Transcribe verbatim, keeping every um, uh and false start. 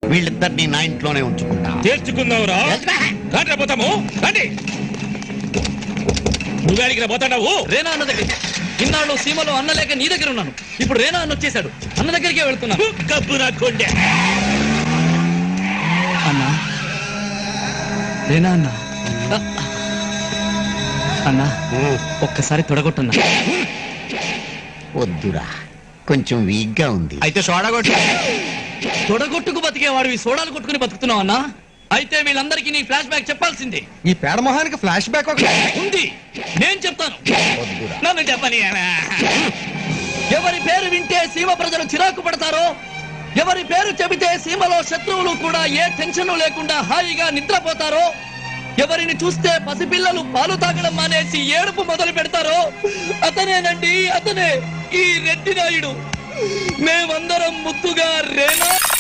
వీళ్ళిద్దరిని నా ఇంట్లోనే ఉంచుకుంటా. చేర్చుకుందావురా పోతాము. రండి, నువ్వేడికి పోతాడావు? రేనా అన్న దగ్గర ఇన్నాళ్ళు సీమలో అన్న లేక నీ దగ్గర ఉన్నాను. ఇప్పుడు రేనా అన్న వచ్చేసాడు, అన్న దగ్గరికే వెళ్తున్నాను. కబ్బు నా కొండే అన్నా, రేనా అన్న అన్నా, ఒక్కసారి తొడగొట్టన్నా. వద్దురా, కొంచెం వీక్ గా ఉంది. అయితే సోడా కొట్టు. తొడగొట్టుకు బతికేవాడివి సోడాలు కొట్టుకుని బతుకుతున్నావు అన్నా. అయితే వీళ్ళందరికీ నీ ఫ్లాష్ బ్యాక్ చెప్పాల్సిందే. ఈ పేడ మొహానికి ఫ్లాష్ బ్యాక్ ఒక ఉంది, నేను చెప్తాను. వద్దురా. నన్ను చెప్పని. ఎవరి పేరు వింటే సీమ ప్రజలు చిరాకు పడతారో, ఎవరి పేరు చెబితే సీమలో శత్రువులు కూడా ఏ టెన్షన్ లేకుండా హాయిగా నిద్రపోతారో, ఎవరిని చూస్తే పసిపిల్లలు పాలు తాగడం మానేసి ఏడుపు మొదలు పెడతారో అతనేనండి, అతనే ఈ రెడ్డి నాయుడు. మేమందరం ముద్దుగా రేనా